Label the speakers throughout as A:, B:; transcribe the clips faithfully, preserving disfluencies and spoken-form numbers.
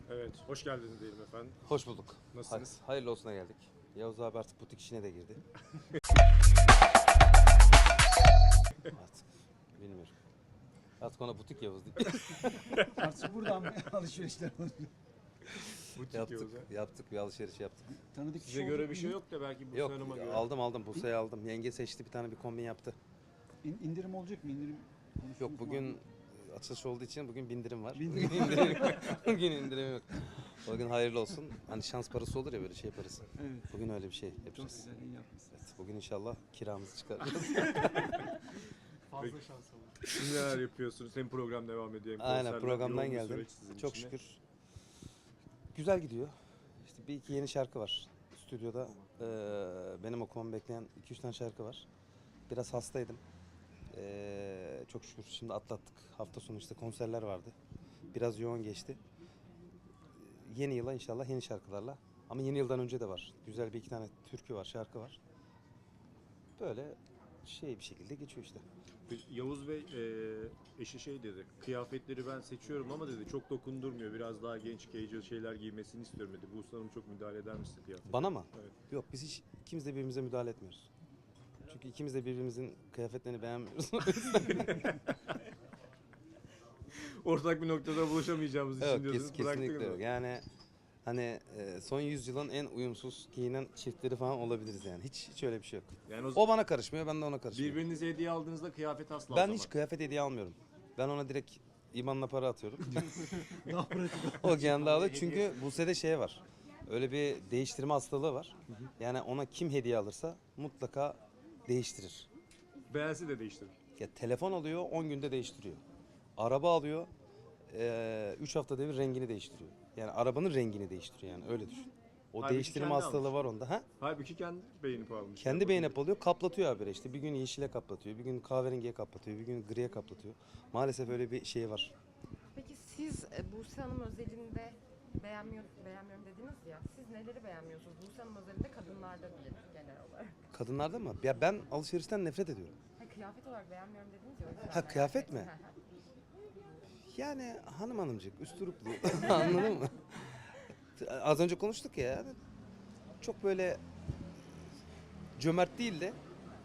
A: Evet, hoş geldiniz diyelim efendim.
B: Hoş bulduk.
A: Nasılsınız?
B: Hay- hayırlı olsuna geldik. Yavuz abi artık butik işine de girdi. Artık bilmiyorum. Artık ona butik Yavuz değil.
C: Artık buradan mı alışverişler oluyor?
A: Butik
B: yaptık,
A: Yavuz ha.
B: yaptık bir alışveriş yaptık.
C: Tanıdık
A: Size
C: kişi
A: göre
C: oldu
A: bir
C: mu?
A: şey yok da belki bu
B: Yok
A: Hanım'a göre.
B: aldım aldım Buse'yi aldım. Yenge seçti bir tane bir kombin yaptı.
C: İn, indirim olacak mı? İndirim konuştunuz
B: Yok
C: mu
B: bugün
C: abi?
B: açılış olduğu için bugün bindirim var.
C: Bindirim.
B: Bugün indirim yok. Bugün indirim yok. Bugün hayırlı olsun. Hani şans parası olur ya böyle şey parası.
C: Evet.
B: Bugün öyle bir şey
C: Çok
B: yapacağız.
C: güzel, iyi yapmışsınız.
B: Evet, bugün inşallah kiramızı çıkaracağız.
A: Fazla şans olur. Siz neler yapıyorsunuz? Hem program devam ediyor hem
B: Aynen
A: konserler.
B: programdan
A: Yoğun bir
B: geldim.
A: süreç sizin
B: Çok
A: için de.
B: şükür. Güzel gidiyor. İşte bir iki yeni şarkı var. Stüdyoda eee, benim okumamı bekleyen iki üç tane şarkı var. Biraz hastaydım. Eee, çok şükür şimdi atlattık. Hafta sonu işte konserler vardı. Biraz yoğun geçti. Yeni yıla inşallah yeni şarkılarla. Ama yeni yıldan önce de var. Güzel bir iki tane türkü var, şarkı var. Böyle şey bir şekilde geçiyor işte.
A: Yavuz Bey e, eşi şey dedi, kıyafetleri ben seçiyorum ama dedi çok dokundurmuyor. Biraz daha genç, casual şeyler giymesini istiyorum dedi. Buse Hanım çok müdahale eder misin kıyafetine?
B: Bana mı?
A: Evet.
B: Yok biz hiç ikimiz de birbirimize müdahale etmiyoruz. Çünkü ikimiz de birbirimizin kıyafetlerini beğenmiyoruz.
A: Ortak bir noktada buluşamayacağımız için
B: Yok
A: diyorsunuz.
B: kes, kesinlikle
A: bıraktınız
B: yok.
A: mı?
B: Yani hani e, son yüzyılın en uyumsuz giyinen çiftleri falan olabiliriz yani. Hiç hiç öyle bir şey yok.
A: Yani o,
B: O bana karışmıyor, ben de ona karışmıyorum.
A: birbirinize hediye aldığınızda kıyafet asla
B: Ben
A: almamak.
B: hiç kıyafet hediye almıyorum. Ben ona direkt İban'la para atıyorum.
C: Daha pratik.
B: O kendi alıyor. Çünkü Buse'de şey var. Öyle bir değiştirme hastalığı var. Yani ona kim hediye alırsa mutlaka değiştirir.
A: Beğensi de değiştirir.
B: Ya telefon alıyor, on günde değiştiriyor. Araba alıyor, üç haftada bir rengini değiştiriyor. Yani arabanın rengini değiştiriyor yani öyle düşün. O
A: Halbuki
B: değiştirme
A: kendi
B: hastalığı
A: almış.
B: var onda. Ha?
A: Halbuki kendi beğenip almış.
B: Kendi beğenip alıyor, kaplatıyor habire işte. Bir gün yeşile kaplatıyor, bir gün kahverengiye kaplatıyor, bir gün griye kaplatıyor. Maalesef öyle bir şey var.
D: Peki siz e, Buse Hanım özelinde beğenmiyor, beğenmiyorum dediniz ya. Siz neleri beğenmiyorsunuz? Buse Hanım özelinde kadınlarda değil genel olarak.
B: Kadınlarda mı? Ya ben alışverişten nefret ediyorum.
D: Ha, kıyafet olarak beğenmiyorum dediniz ya. o yüzden
B: Ha,
D: merak
B: kıyafet
D: ettim.
B: mi?
D: Hı hı.
B: Yani hanım hanımcık, üstüruplu. Anladın mı? Az önce konuştuk ya. Yani çok böyle cömert değil de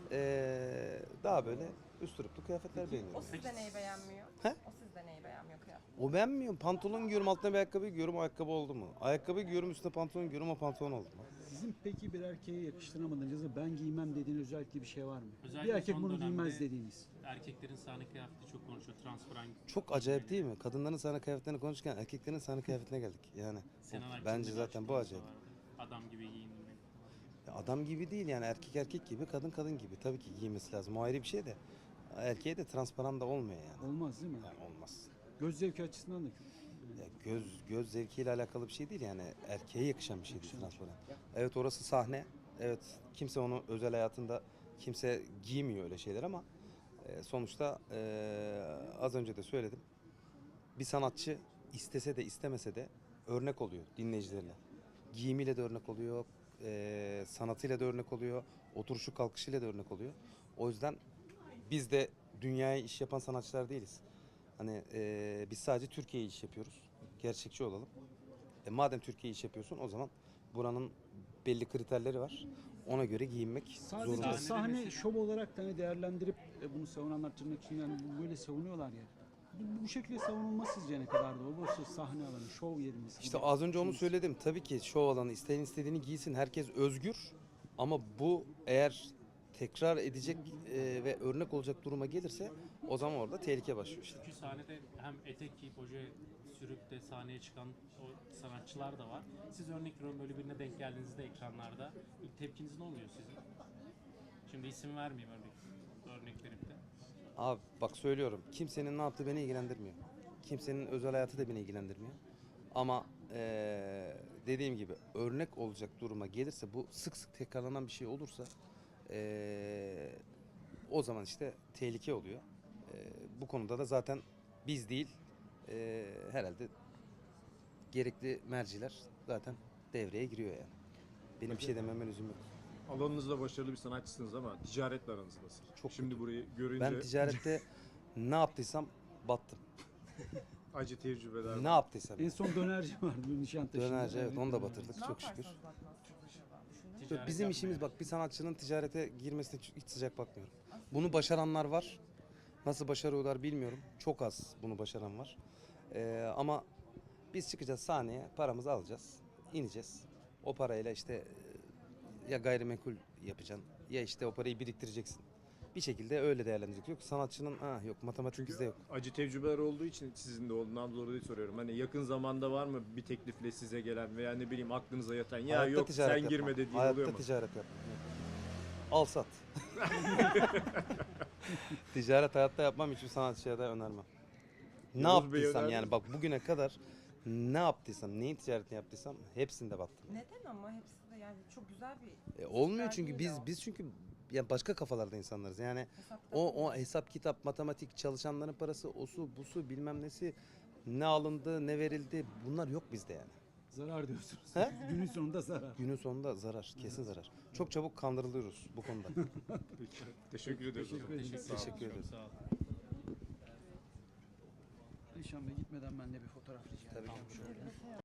B: eee, daha böyle üstüruplu kıyafetler
D: O
B: beğeniyorum.
D: sizde neyi beğenmiyor?
B: He?
D: O sizde neyi beğenmiyor kıyafet?
B: O beğenmiyorum. Pantolon giyiyorum, altına bir ayakkabı giyiyorum, o ayakkabı oldu mu? Ayakkabı giyiyorum, üstüne pantolon giyiyorum, o pantolon oldu mu?
C: Sizin peki bir erkeğe yakıştıramadığınız ya da ben giymem dediğiniz özellikle bir şey var mı?
E: Özellikle
C: Bir erkek
E: son
C: bunu
E: dönemde
C: giymez dediğiniz.
E: Erkeklerin sahne kıyafeti çok konuşuyor. Transparan.
B: Çok acayip değil mi? Kadınların sahne kıyafetlerini konuşurken erkeklerin sahne kıyafetine geldik. Yani
E: Senan
B: o-
E: Aksu'nun
B: bence
E: bir
B: zaten bu
E: açıklaması
B: acayip.
E: vardı. Adam gibi giyindim.
B: Ya adam gibi değil yani erkek erkek gibi, kadın kadın gibi. Tabii ki giymesi lazım. O ayrı bir şey de. Erkeğe de transparan da olmuyor yani.
C: Olmaz değil mi?
B: Yani olmaz.
C: Göz zevki açısından da kötü.
B: Ya göz göz zevkiyle alakalı bir şey değil yani erkeğe yakışan bir şey değil
C: Yakışan.
B: transparan. Evet orası sahne. Evet kimse onu özel hayatında kimse giymiyor öyle şeyler ama e, sonuçta e, az önce de söyledim. Bir sanatçı istese de istemese de örnek oluyor dinleyicilerine. Giyimiyle de örnek oluyor, e, sanatıyla da örnek oluyor, oturuşu kalkışıyla da örnek oluyor. O yüzden biz de dünyaya iş yapan sanatçılar değiliz. Hani e, biz sadece Türkiye'ye iş yapıyoruz. Gerçekçi olalım. E, madem Türkiye'ye iş yapıyorsun o zaman buranın belli kriterleri var. Ona göre giyinmek
C: Sadece
B: zorundasın.
E: Sahnede
C: sahne
E: mesela-
C: şov olarak da hani değerlendirip e, bunu savunanlar tırnak içinde yani böyle savunuyorlar ya. Bu, bu şekilde savunulması sizce ne kadar doğru? Burası sahne alanı, şov yerimiz.
B: İşte az önce onu söyledim. Tabii ki şov alanı isteyen istediğini giysin. Herkes özgür. Ama bu eğer tekrar edecek e, ve örnek olacak duruma gelirse o zaman orada tehlike başlıyor işte.
E: Çünkü sahnede hem etek giyip oje sürüp de sahneye çıkan o sanatçılar da var. Siz örnek veriyorum böyle birine denk geldiğinizde ekranlarda ilk tepkiniz ne oluyor sizin? Şimdi isim vermeyeyim örnek, örnek verip de.
B: Abi bak söylüyorum. Kimsenin ne yaptığı beni ilgilendirmiyor. Kimsenin özel hayatı da beni ilgilendirmiyor. Ama eee, dediğim gibi örnek olacak duruma gelirse bu sık sık tekrarlanan bir şey olursa eee, o zaman işte tehlike oluyor. Eee, bu konuda da zaten biz değil eee, herhalde gerekli merciler zaten devreye giriyor yani. Benim bir şey dememe lüzum yok.
A: Alanınızda başarılı bir sanatçısınız ama ticaretle aranız nasıl?
B: Çok
A: Şimdi
B: kötü.
A: burayı görünce
B: Ben ticarette ne yaptıysam battım.
A: Acı tecrübeler.
B: Ne yaptıysam.
C: En son dönerci vardı Nişantaşı'nda.
B: Dönerci, evet, onu da
C: dönerci.
B: batırdık
D: Ne
B: çok şükür.
D: yaparsanız bakmazsınız acaba? Düşündünüz mü?
E: Ticaret
B: Bizim
E: yapmaya.
B: işimiz bak, bir sanatçının ticarete girmesine hiç sıcak bakmıyorum. Bunu başaranlar var. Nasıl başarıyorlar bilmiyorum. Çok az bunu başaran var. Ee, ama biz çıkacağız sahneye, paramızı alacağız, ineceğiz. O parayla işte e, ya gayrimenkul yapacaksın ya işte o parayı biriktireceksin. Bir şekilde öyle değerlendirecek. Yok sanatçının ha yok, matematik bizde yok.
A: Acı tecrübeler olduğu için sizin de olduğundan dolayı soruyorum. Hani yakın zamanda var mı bir teklifle size gelen veya ne bileyim aklınıza yatan ya
B: Hayatta
A: yok
B: ticaret
A: sen
B: yapmam.
A: girme dediğin
B: Hayatta
A: oluyor mu?
B: ticaret yapmam. Yok. Al sat. Ticaret hayatta yapmam, hiçbir sanatçıya da önermem. Ne
A: Yavuz Bey
B: yaptıysam
A: önerdi
B: yani
A: mi?
B: bak bugüne kadar ne yaptıysam, neyin ticaretini yaptıysam hepsinde battım.
D: Neden ama hepsi de yani çok güzel bir
B: E, olmuyor
D: ister
B: çünkü
D: değil
B: biz
D: o.
B: biz çünkü yani başka kafalarda insanlarız. Yani
D: Hesap
B: o
D: kitap
B: o hesap kitap, matematik, çalışanların parası, osu, busu bilmem nesi, ne alındı, ne verildi, bunlar yok bizde yani.
C: Zarar diyorsunuz.
B: He?
C: Günün sonunda zarar.
B: Günün sonunda zarar, kesin zarar. Çok çabuk kandırılıyoruz bu konuda.
A: Peki. Teşekkür ediyoruz. o
C: Teşekkür
A: zaman.
C: ederiz.
A: Sağ olun.
B: Teşekkür ederim.
E: Çok sağ olun.
C: Nişan Bey gitmeden ben de bir fotoğraf rica
B: Tabii
C: edeceğim.
B: ki.
C: Şöyle.